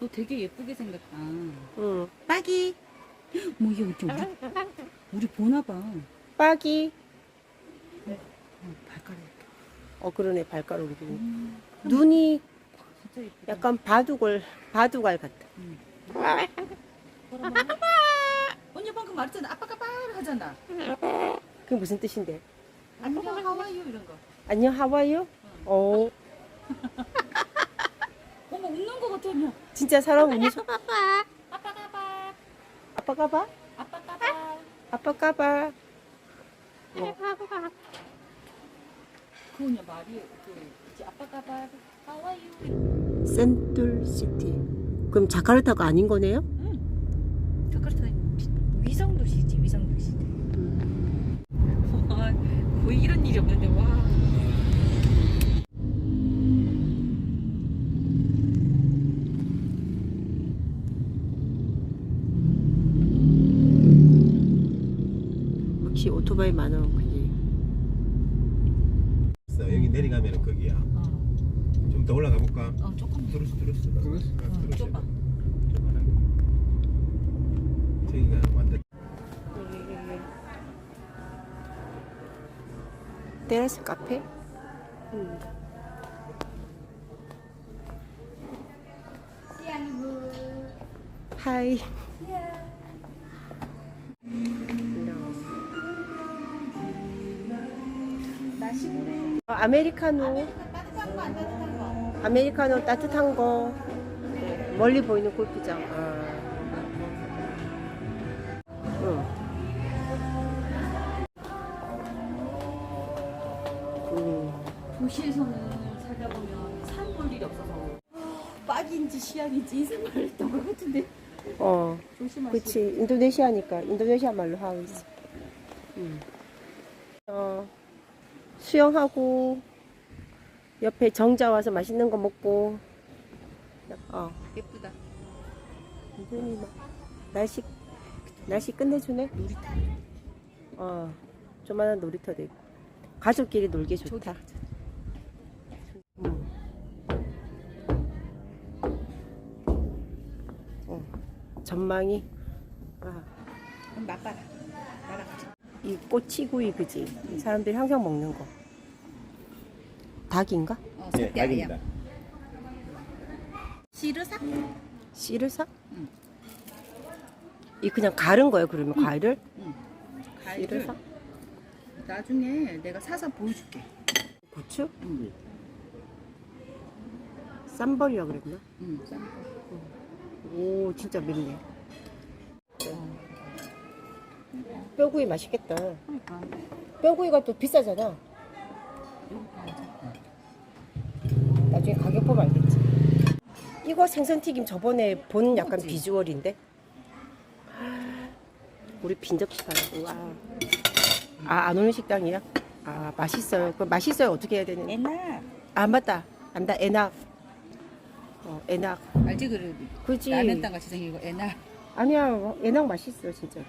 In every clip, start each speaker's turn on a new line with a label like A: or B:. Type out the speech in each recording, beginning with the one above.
A: 너 되게 예쁘게 생겼다.
B: 응.
A: 빠기. 뭐 이게 어째 우리 보나 봐.
B: 빠기.
A: 발가락.
B: 그러네, 발가락이. 눈이
A: 진짜 예쁘다.
B: 약간 바둑알 같다.
A: 언니 방금 말했잖아. 아빠가 빠 하잖아.
B: 그게 무슨 뜻인데?
A: 안녕 하와이요 이런 거.
B: 안녕, 하와이요? 어머,
A: 어머 웃는 거 같아 언니.
B: 진짜 사람 운이 좋.
A: 아빠가 봐.
B: 아빠가 봐?
A: 아빠가 봐.
B: 아빠가 봐.
A: 그 언니 말이 이제 아빠가 봐. 하와이요.
B: 센툴시티. 그럼 자카르타가 아닌 거네요?
A: 응. 자카르타 위성 도시지 위성 도시. 와 거의 이런 일이 없는데 와.
B: 역시 오토바이 많아, 그지?
C: 여기 내려가면 거기야. 좀 더 올라가 볼까?
A: 조금
C: 뚜루스.
A: 좁아.
C: 저기가 완전
B: 테라스 카페? 하이. 아메리카노. 아메리카노 따뜻한 거. 멀리 보이는 골프장. 응.
A: 도시에서는 살다 보면 산 볼 일이 없어서 빡인지 시안인지 이승만을 했던 것 같은데 조심하시고.
B: 그치. 인도네시아니까 인도네시아 말로 하고 있어. 수영하고 옆에 정자 와서 맛있는 거 먹고.
A: 예쁘다.
B: 완전히 막 날씨 끝내주네.
A: 놀이터.
B: 조만한 놀이터도 있고 가족끼리 놀기 좋다. 전망이
A: 그럼 맛봐라. 나랑 같이.
B: 이 꼬치구이, 그지? 사람들이 항상 먹는 거. 닭인가?
C: 네, 닭입니다.
A: 시르삭?
B: 씨르삭?
A: 응.
B: 이 그냥 가른 거예요, 그러면 과일을?
A: 과일을
B: 씨르삭?
A: 나중에 내가 사서 보여줄게.
B: 고추?
A: 응.
B: 쌈벌이라 그랬나?
A: 응.
B: 오, 진짜 맵네. 뼈구이 맛있겠다.
A: 그러니까.
B: 뼈구이가 또 비싸잖아. 나중에 가격 보면 알겠지. 이거 생선튀김 저번에 본 약간
A: 그치?
B: 비주얼인데. 우리 빈접시 가라고. 안 오는 식당이야? 맛있어요. 그럼 맛있어요. 어떻게 해야 되는?
A: 옛날
B: 맞다. 안다. 에낙. 에낙.
A: 알지 그
B: 그지.
A: 라면땅 같이 생긴 거 옛날.
B: 아니야. 에낙 맛있어, 진짜로.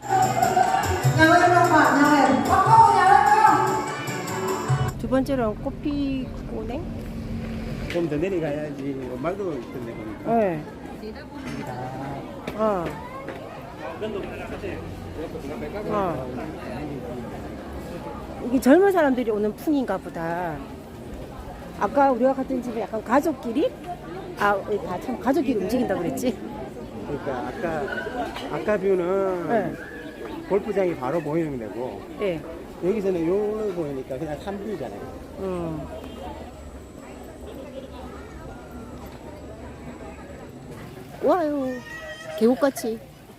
B: 두 번째로 커피 꼬냉?
C: 좀 더 내려가야지. 말도 있던데 보니까.
B: 네. 이게 젊은 사람들이 오는 풍인가 보다. 아까 우리가 갔던 집에 약간 가족끼리? 다 참 가족끼리 움직인다 그랬지?
C: 그러니까 아까 뷰는
B: 네.
C: 골프장이 바로 보이는 데고
B: 네.
C: 여기서는 요로 보이니까 그냥 산뷰잖아요.
B: 와요. 계곡같이.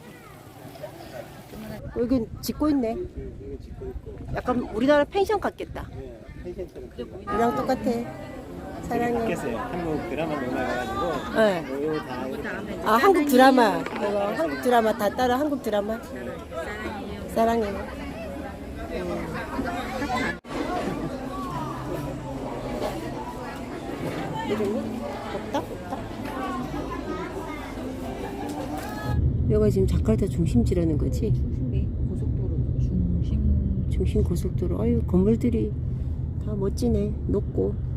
B: 여기 짓고 있네.
C: 여기 짓고 있고.
B: 약간 우리나라 펜션 같겠다.
C: 네, 펜션처럼.
B: 그냥 똑같아. 사랑해.
C: 바뀌었어요. 한국 드라마 넘어가가지고
B: 네.
C: 요다
B: 한국 드라마. 이거 한국 드라마 다 따라 한국 드라마. 사랑해요. 이름이? 없다? 여기가 지금 자카르타 중심지라는 거지?
A: 고속도로 중심.
B: 중심 고속도로. 아유, 건물들이 다 멋지네. 높고.